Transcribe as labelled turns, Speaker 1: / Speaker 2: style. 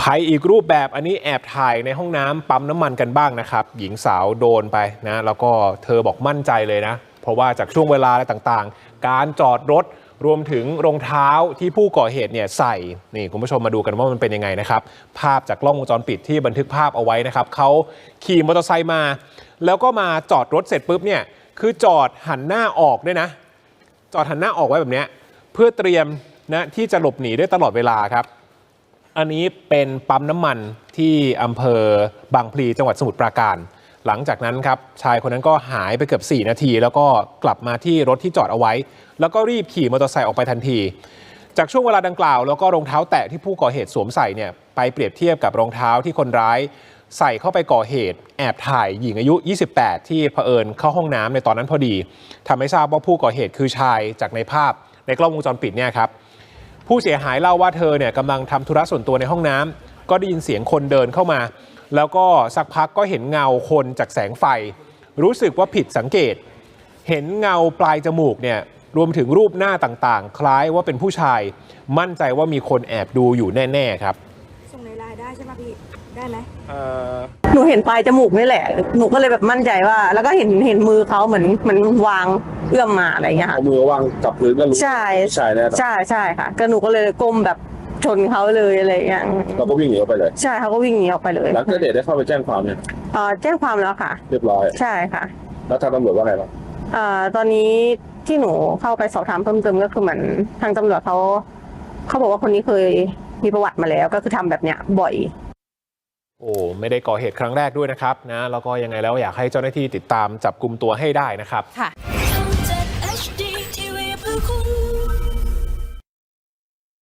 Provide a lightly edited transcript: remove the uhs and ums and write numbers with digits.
Speaker 1: ภัยอีกรูปแบบอันนี้แอบถ่ายในห้องน้ำปั๊มน้ำมันกันบ้างนะครับหญิงสาวโดนไปนะแล้วก็เธอบอกมั่นใจเลยนะเพราะว่าจากช่วงเวลาอะไรต่างๆการจอดรถรวมถึงรองเท้าที่ผู้ก่อเหตุเนี่ยใส่นี่คุณผู้ชมมาดูกันว่ามันเป็นยังไงนะครับภาพจากกล้องวงจรปิดที่บันทึกภาพเอาไว้นะครับเขาขี่มอเตอร์ไซค์มาแล้วก็มาจอดรถเสร็จปุ๊บเนี่ยคือจอดหันหน้าออกด้วยนะจอดหันหน้าออกไว้แบบนี้เพื่อเตรียมนะที่จะหลบหนีได้ตลอดเวลาครับอันนี้เป็นปั๊มน้ำมันที่อำเภอบางพลีจังหวัดสมุทรปราการหลังจากนั้นครับชายคนนั้นก็หายไปเกือบ4 นาทีแล้วก็กลับมาที่รถที่จอดเอาไว้แล้วก็รีบขี่มอเตอร์ไซค์ออกไปทันทีจากช่วงเวลาดังกล่าวแล้วก็รองเท้าแตะที่ผู้ก่อเหตุสวมใส่เนี่ยไปเปรียบเทียบกับรองเท้าที่คนร้ายใส่เข้าไปก่อเหตุแอบถ่ายหญิงอายุ28ที่เผอิญเข้าห้องน้ำในตอนนั้นพอดีทำให้ทราบว่าผู้ก่อเหตุคือชายจากในภาพในกล้องวงจรปิดเนี่ยครับผู้เสียหายเล่าว่าเธอเนี่ยกำลังทำธุระส่วนตัวในห้องน้ำก็ได้ยินเสียงคนเดินเข้ามาแล้วก็สักพักก็เห็นเงาคนจากแสงไฟรู้สึกว่าผิดสังเกตเห็นเงาปลายจมูกเนี่ยรวมถึงรูปหน้าต่างๆคล้ายว่าเป็นผู้ชายมั่นใจว่ามีคนแอบดูอยู่แน่ๆครับ
Speaker 2: ส่งในไลน์ได้ใช่ไหมพี่ได้ไหม
Speaker 3: หนูเห็นปลายจมูกนี่แหละหนูก็เลยแบบมั่นใจว่าแล้วก็เห็นมือเขาเหมือนวางเอื้อมมาอะไรอย่างเงี้ยค่ะ
Speaker 4: เอามือวางกับพื้นก็รู้
Speaker 3: ใช่
Speaker 4: ใช่แน่
Speaker 3: ใช่ค่ะก็หนูก็เลยก้มแบบชนเขาเลยอะไรอย่างเงี้ย
Speaker 4: เราก็วิ่งหนีออกไปเลย
Speaker 3: ใช่เขาก็วิ่งหนีออกไปเลย
Speaker 4: แล้วก็เดชได้เข้าไปแจ้งความเนี่ย
Speaker 3: แจ้งความแล้วค่ะ
Speaker 4: เรียบร้อย
Speaker 3: ใช่ค่ะ
Speaker 4: แล้วทางตำรวจว่าไงบ้าง
Speaker 3: ตอนนี้ที่หนูเข้าไปสอบถามเพิ่มเติมก็คือเหมือนทางตำรวจเขาบอกว่าคนนี้เคยมีประวัติมาแล้วก็คือทำแบบเนี้ยบ่อย
Speaker 1: โอ้ไม่ได้ก่อเหตุครั้งแรกด้วยนะครับนะแล้วก็ยังไงแล้วอยากให้เจ้าหน้าที่ติดตามจับกุมตัวให้ได้นะครับ
Speaker 2: ค่ะ